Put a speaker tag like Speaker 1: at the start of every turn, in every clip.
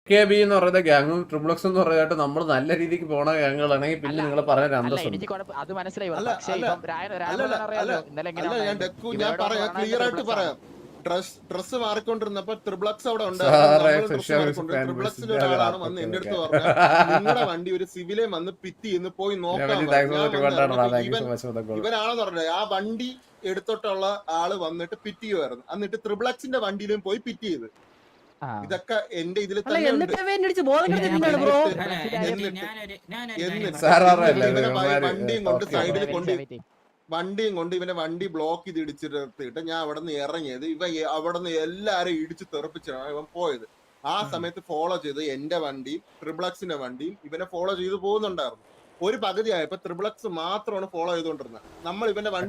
Speaker 1: KB എന്ന് പറയുന്ന ഗ്യാങ്ങും triplex എന്ന് പറയുന്നത് നമ്മൾ നല്ല രീതിക്ക് പോണ ഗ്യാങ്ങുകളാണെങ്കിൽ പിന്നെ നിങ്ങൾ പറഞ്ഞ അന്തസ്സുണ്ട്.
Speaker 2: അത് മനസ്സിലായി.
Speaker 3: ഞാൻ പറയാം, ക്ലിയർ ആയിട്ട് പറയാം. ഡ്രസ് മാറിക്കൊണ്ടിരുന്നപ്പോ ട്രിപ്ലക്സ് അവിടെ ട്രിപ്ലക്സിന്റെ ഒരാളാണ് വന്ന് എന്റെ അടുത്ത് പറഞ്ഞത്, നിങ്ങളുടെ വണ്ടി ഒരു സിവിലെ വന്ന് പിറ്റ് ചെയ്യുന്നു, പോയി നോക്കാം. ഇവനാണെന്ന് പറഞ്ഞത് ആ വണ്ടി എടുത്തിട്ടുള്ള ആള് വന്നിട്ട് പിറ്റ് ചെയ്യുമായിരുന്നു. എന്നിട്ട് ട്രിപ്ലക്സിന്റെ വണ്ടിയിലും പോയി പിറ്റ് ചെയ്ത്. ഇതൊക്കെ എന്റെ ഇതിൽ വണ്ടിയും കൊണ്ട് ഇവനെ വണ്ടി ബ്ലോക്ക് ചെയ്ത് ഇടിച്ചിട്ട് ഞാൻ അവിടെ നിന്ന് ഇറങ്ങിയത്. അവിടെ നിന്ന് എല്ലാരും ഇടിച്ച് തെറിപ്പിച്ചാണ് ഇവൻ പോയത്. ആ സമയത്ത് ഫോളോ ചെയ്ത് എന്റെ വണ്ടിയും ട്രിപ്ലക്സിന്റെ വണ്ടിയും ഇവനെ ഫോളോ ചെയ്ത് പോകുന്നുണ്ടായിരുന്നു. ഒരു പകുതി ആയപ്പോ ട്രിപ്ലക്സ് മാത്രമാണ് ഫോളോ ചെയ്തോണ്ടിരുന്നത്. നമ്മൾ ഇവന്റെ വണ്ടി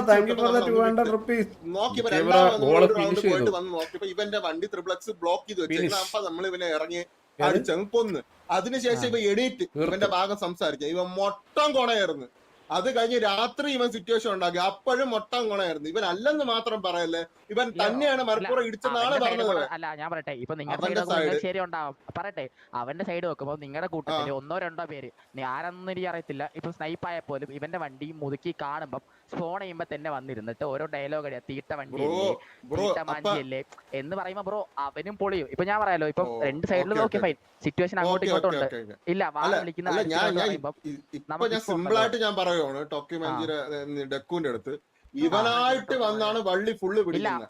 Speaker 3: പോയിട്ട് വന്ന് നോക്കിയപ്പോ ഇവന്റെ വണ്ടി ട്രിപ്ലക്സ് ബ്ലോക്ക് ചെയ്ത് വെച്ചിരുന്നു. അപ്പൊ നമ്മൾ ഇവനെ ഇറങ്ങി അടിച്ചങ്ങ് കൊന്ന്. അതിനുശേഷം ഇവ എണീറ്റ് ഇവന്റെ ഭാഗം സംസാരിക്കുക. ഇവൻ മൊട്ടം കൊണയായിരുന്നു. അത് കഴിഞ്ഞ് രാത്രി ഇവൻ സിറ്റുവേഷൻ ഉണ്ടാക്കി. അപ്പോഴും മൊട്ടം കൊണയായിരുന്നു. ഇവൻ അല്ലെന്ന് മാത്രം പറയല്ലേ, ഇവൻ തന്നെയാണ് മലപ്പുറം ഇടിച്ചെന്നാണ് പറഞ്ഞത്.
Speaker 2: അല്ല ഞാൻ പറയട്ടെ, ഇപ്പൊ നിങ്ങളുടെ ശരി ഉണ്ടാവും. പറയട്ടെ, അവന്റെ സൈഡ് നോക്കുമ്പോ നിങ്ങളുടെ കൂട്ടത്തില് 1-2 പേര് ആരെന്നും എനിക്ക് അറിയത്തില്ല, ഇപ്പൊ സ്നൈപ്പ് ആയ പോലും ഇവന്റെ വണ്ടി മുതുക്കി കാണുമ്പോ ഫോൺ ചെയ്യുമ്പോ തന്നെ വന്നിരുന്നിട്ട് ഓരോ ഡയലോഗ് അടിയാ, തീട്ട വണ്ടിയല്ലേ, തീട്ട മാഞ്ചിയല്ലേ എന്ന് പറയുമ്പോ ബ്രോ അവനും പൊളിയും. ഇപ്പൊ ഞാൻ പറയാലോ, ഇപ്പൊ രണ്ട് സൈഡിലും നോക്കിയ ഫൈൻ സിറ്റുവേഷൻ അങ്ങോട്ടും ഇങ്ങോട്ടും ഉണ്ട്. ഇല്ല വാ വിളിക്കുന്ന
Speaker 3: സിമ്പിൾ ആയിട്ട് ഞാൻ പറയുവാണ്, ടോക്കി മഞ്ചിയുടെ ഡെക്കുവിന്റെ അടുത്ത് ഇവനായിട്ട് വന്നാണ് വള്ളി ഫുള്ള് പിടിക്കുന്നത്.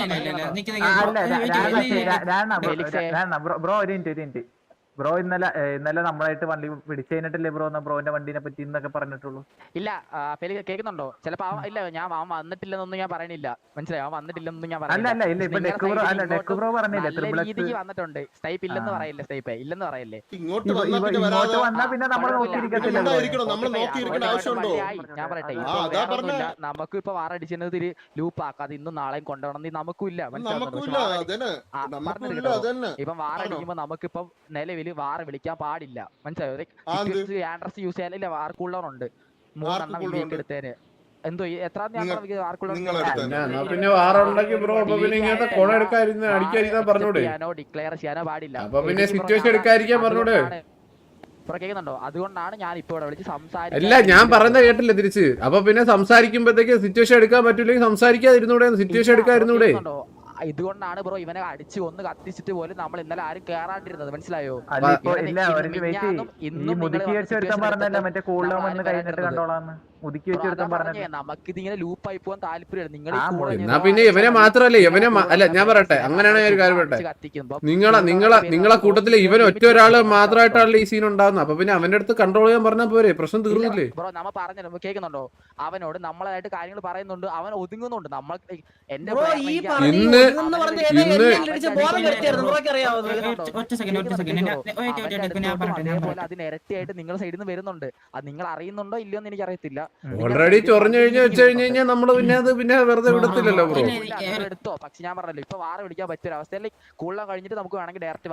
Speaker 4: ബ്രോ ഒരു മിനിറ്റ് ബ്രോ ഇന്നലെ നമ്മളായിട്ട് വണ്ടി പിടിച്ചു കഴിഞ്ഞിട്ടല്ലേ ബ്രോ ബ്രോന്റെ വണ്ടിനെ പറ്റി എന്നൊക്കെ പറഞ്ഞിട്ടുള്ളൂ.
Speaker 2: ഇല്ല കേൾക്കുന്നുണ്ടോ? ചിലപ്പോ ഇല്ല ഞാൻ വന്നിട്ടില്ലെന്നൊന്നും ഞാൻ പറയണില്ല, മനസ്സിലായി? അവൻ വന്നിട്ടില്ലെന്നൊന്നും ഞാൻ പറഞ്ഞില്ല. രീതിക്ക് വന്നിട്ടുണ്ട്. സ്റ്റൈപ്പ് ഇല്ലെന്ന് പറയില്ലേ, സ്റ്റൈപ്പ് ഇല്ലെന്ന് പറയല്ലേ.
Speaker 3: ഇങ്ങോട്ട് വന്നാ പിന്നെ നമ്മൾ നോക്കിയിരിക്കത്തില്ല.
Speaker 2: ഞാൻ പറയട്ടെ, നമുക്ക് ഇപ്പൊ വാറടിച്ചത് ലൂപ്പ് ആക്കാതെ ഇന്നും നാളെയും കൊണ്ടുപോകണം നമുക്കും ഇല്ല, ഇപ്പൊ വാറടിക്കുമ്പോ നമുക്കിപ്പം നിലവിൽ വാറ വിളിക്കാൻ പാടില്ല, മനസ്സിലായോ? ആൻഡ്രസ് യൂസ് ചെയ്യാനില്ല, വാർ കൂളർ ഉണ്ട് 3 വീക്ക് എടുത്തേന്. എന്തോ എത്ര ഡിക്ലെയർ ചെയ്യാനോ പാടില്ല. കേൾക്കുന്നുണ്ടോ? അതുകൊണ്ടാണ് ഞാൻ ഇപ്പൊ ഇവിടെ വിളിച്ച് സംസാരിക്കുന്നത്.
Speaker 1: അല്ല ഞാൻ പറയുന്നത് കേട്ടില്ല തിരിച്ച്. അപ്പൊ പിന്നെ സംസാരിക്കുമ്പോഴത്തേക്ക് സിറ്റുവേഷൻ എടുക്കാൻ പറ്റില്ലെങ്കിൽ സംസാരിക്കാതിരുന്നൂടെ? സിറ്റുവേഷൻ എടുക്കാതിരുന്നൂടെ?
Speaker 2: ഇതുകൊണ്ടാണ് ബ്രോ ഇവനെ അടിച്ച് ഒന്ന് കത്തിച്ചിട്ട് പോലും നമ്മൾ ഇന്നലെ ആരും കേറാണ്ടിരുന്നത്, മനസ്സിലായോ? നമുക്കിതിങ്ങനെ ലൂപ്പായി പോകാൻ താല്പര്യം. നിങ്ങൾ
Speaker 1: പിന്നെ ഇവനെ മാത്രല്ലേ ഇവനെ അല്ല ഞാൻ പറയട്ടെ, അങ്ങനെയാണ് ഞാൻ ഒരു കാര്യം പറയട്ടെ, നിങ്ങളെ കൂട്ടത്തില് ഇവൻ ഒറ്റ ഒരാള് മാത്രമായിട്ടാണല്ലോ ഈ സീൻ ഉണ്ടാകുന്നത്. അപ്പൊ പിന്നെ അവന്റെ അടുത്ത് കൺട്രോൾ ചെയ്യാൻ പറഞ്ഞാൽ പോരെ, പ്രശ്നം തീർന്നില്ലേ?
Speaker 2: ബ്രോ നമ്മ പറഞ്ഞു കേൾക്കുന്നുണ്ടോ? അവനോട് നമ്മളായിട്ട് കാര്യങ്ങൾ പറയുന്നുണ്ട്, അവൻ ഒതുങ്ങുന്നുണ്ട്. നമ്മൾ എന്റെ അതിനിരട്ടിയായിട്ട് നിങ്ങളുടെ സൈഡിൽ നിന്ന് വരുന്നുണ്ട്. അത് നിങ്ങൾ അറിയുന്നുണ്ടോ ഇല്ലയോ എന്ന് എനിക്ക് അറിയത്തില്ല.
Speaker 1: ഓൾറെഡി ചൊറഞ്ഞു വെച്ച് കഴിഞ്ഞാൽ നമ്മള് പിന്നെ വെറുതെ വിടത്തില്ലല്ലോ ബ്രോ.
Speaker 2: എടുത്തോ, പക്ഷെ ഞാൻ പറഞ്ഞല്ലോ ഇപ്പൊ വാറ വിളിക്കാൻ പറ്റിയ അവസ്ഥയിൽ കൂടുതൽ കഴിഞ്ഞിട്ട് നമുക്ക് വേണമെങ്കിൽ ഡയറക്റ്റ്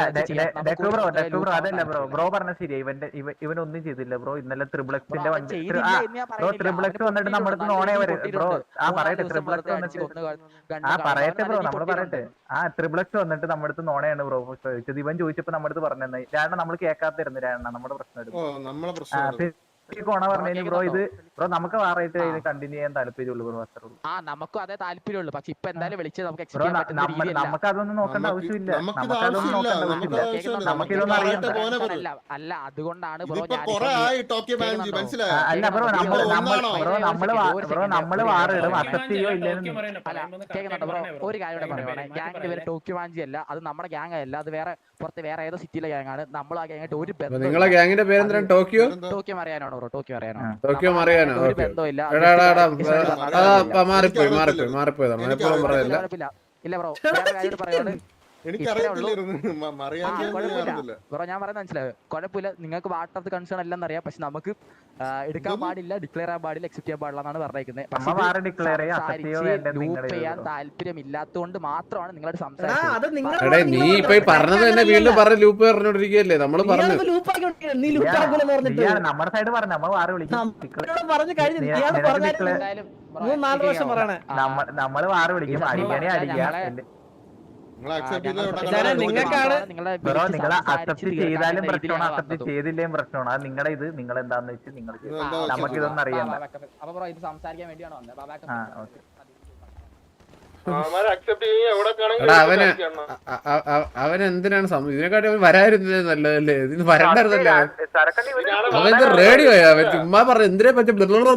Speaker 4: അതല്ല ബ്രോ പറഞ്ഞ ശരിയാ. ഇവനൊന്നും ചെയ്തില്ല ബ്രോ. ഇന്നലെ ട്രിപ്ലക്സിന്റെ വണ്ടി ട്രിപ്ലക്സ് വന്നിട്ട് നമ്മുടെ നോണേ വരും ബ്രോ. പറയട്ടെ ട്രിപ്ലക്സ് വന്നിട്ട് പറയട്ടെ ബ്രോ, നമ്മള് പറയട്ടെ. ട്രിപ്ലക്സ് വന്നിട്ട് നമ്മുടെ അടുത്ത് നോണയാണ് ബ്രോ ചോദിച്ചത്. ഇവൻ ചോദിച്ചപ്പോ നമ്മുടെ അടുത്ത് പറഞ്ഞത് രാണ നമ്മൾ കേൾക്കാത്തിരുന്നു. രാണ നമ്മുടെ പ്രശ്നം കോണ പറഞ്ഞു ബ്രോ. ഇത് ബ്രോ നമുക്ക് വാറായിട്ട് കണ്ടിന്യൂ ചെയ്യാൻ താല്പര്യമുള്ളൂ ബ്രോ, അത്രേ ഉള്ളൂ.
Speaker 2: നമുക്കും അതേ താല്പര്യമുള്ളൂ. പക്ഷെ ഇപ്പൊ എന്തായാലും വിളിച്ച്
Speaker 4: നമുക്ക് അതൊന്നും നോക്കേണ്ട ആവശ്യമില്ല. നമുക്കതൊന്നും നോക്കേണ്ട ആവശ്യമില്ല. നമുക്കിതൊന്നും അറിയണ്ട.
Speaker 2: അല്ല അതുകൊണ്ടാണ് ബ്രോ
Speaker 4: അല്ല ബ്രോ നമ്മള് വാറിടും, അക്സെപ്റ്റ് ചെയ്യോ ഇല്ലെന്ന്.
Speaker 2: കേൾക്കുന്നുണ്ടോ ബ്രോ? ഒരു കാര്യം പറയുവാണ്, ഗ്യാങ്ങിന്റെ പേര് ടോക്കിയോ മാഞ്ചി അല്ല, അത് നമ്മുടെ ഗ്യാങ് അല്ല, അത് പുറത്ത് വേറെ ഏതോ സിറ്റിയിലെ ഗ്യാങ് ആണ്. നമ്മൾ ആ ഗ്യാങ്ങായിട്ട് ഒരു ബന്ധം.
Speaker 1: നിങ്ങളെ ഗ്യാങ്ങിന്റെ പേരെന്താ? ടോക്കിയോ
Speaker 2: അറിയാനാണോ? ടോക്കിയോ
Speaker 1: അറിയാനോ?
Speaker 2: ഇല്ല ബ്രോ, പറയാണ് ബ്രോ ഞാൻ പറയുന്നത് മനസ്സിലായോ? കുഴപ്പമില്ല, നിങ്ങൾക്ക് വാട്ടർ കൺസേൺ എല്ലാം അറിയാം. പക്ഷെ നമുക്ക് എടുക്കാൻ പാടില്ല, ഡിക്ലെയർ ചെയ്യാൻ പാടില്ല, അക്സെപ്റ്റ് ചെയ്യാൻ പാടില്ല എന്നാണ് പറഞ്ഞേക്കുന്നത്. ലൂപ്പ് ചെയ്യാൻ താല്പര്യം ഇല്ലാത്തതുകൊണ്ട് മാത്രമാണ് നിങ്ങളോട് സംസാരിച്ചത്.
Speaker 1: നീ ഇപ്പൊ പറഞ്ഞത് തന്നെ വീണ്ടും പറഞ്ഞ ലൂപ്പ് പറഞ്ഞോണ്ടിരിക്കുകയല്ലേ? നമ്മള് പറഞ്ഞു
Speaker 4: നമ്മുടെ സൈഡ് പറഞ്ഞു നമ്മൾ വാറ് വിളിക്കും. നമ്മള് വാറ് വിളിക്കും. അടിക്കണേ അടിക്കാം.
Speaker 3: നിങ്ങൾ accept ചെയ്ത് ഇവിടെ
Speaker 5: ഇതാണ്
Speaker 3: കണ്ടോ?
Speaker 5: നിങ്ങൾക്കാണ്
Speaker 4: ബ്രോ നിങ്ങൾ അക്സെപ്റ്റ് ചെയ്താലും പ്രശ്നമാണ് അക്സെപ്റ്റ് ചെയ്തില്ലേലും പ്രശ്നമാണ് അത് നിങ്ങളുടെ ഇത് നിങ്ങൾ എന്താന്ന് വെച്ച് നിങ്ങൾ നമുക്കിതൊന്നും അറിയണ്ട
Speaker 2: അപ്പൊ ബ്രോ ഇത് സംസാരിക്കാൻ വേണ്ടിയാണ് വന്നത്.
Speaker 4: ആ ഓക്കെ
Speaker 1: എടാ അവൻ എന്തിനാണ് ഇതിനെക്കാട്ടി അവൻ വരാതിരുന്നത് നല്ലതല്ലേ? ഇതിന് വരണ്ടായിരുന്നല്ലേ? അവൻ ഇത് റേഡിയോ അവൻ ചുമ്മാ പറഞ്ഞു എന്തിനെ പറ്റി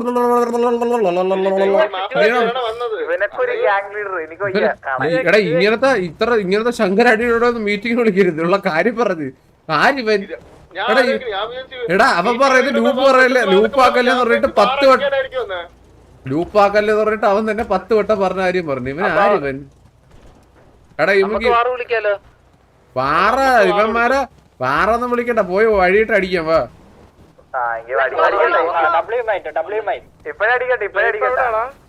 Speaker 1: എടാ ഇങ്ങനത്തെ ശങ്കരടിയോടെ മീറ്റിംഗ് വിളിക്കരുത് ഉള്ള കാര്യം പറഞ്ഞ് ആരിവൻ എടാ അവൻ പറയുന്നത് ലൂപ്പ് പറയല്ലേ ലൂപ്പാക്കല്ലേന്ന് പറഞ്ഞിട്ട് 10 വട്ടം ലൂപ്പാക്കല്ലെന്ന് പറഞ്ഞിട്ട് അവൻ തന്നെ 10 വട്ടം പറഞ്ഞ കാര്യം പറഞ്ഞു. ഇവൻ ആരിവൻ? എടാ ഇവക്ക് പാറ ഇവന്മാരെ പാറൊന്നും വിളിക്കണ്ട പോയി വഴിയിട്ട് അടിക്കാം വാ.
Speaker 4: ഇപ്പഴടിക്കട്ടെ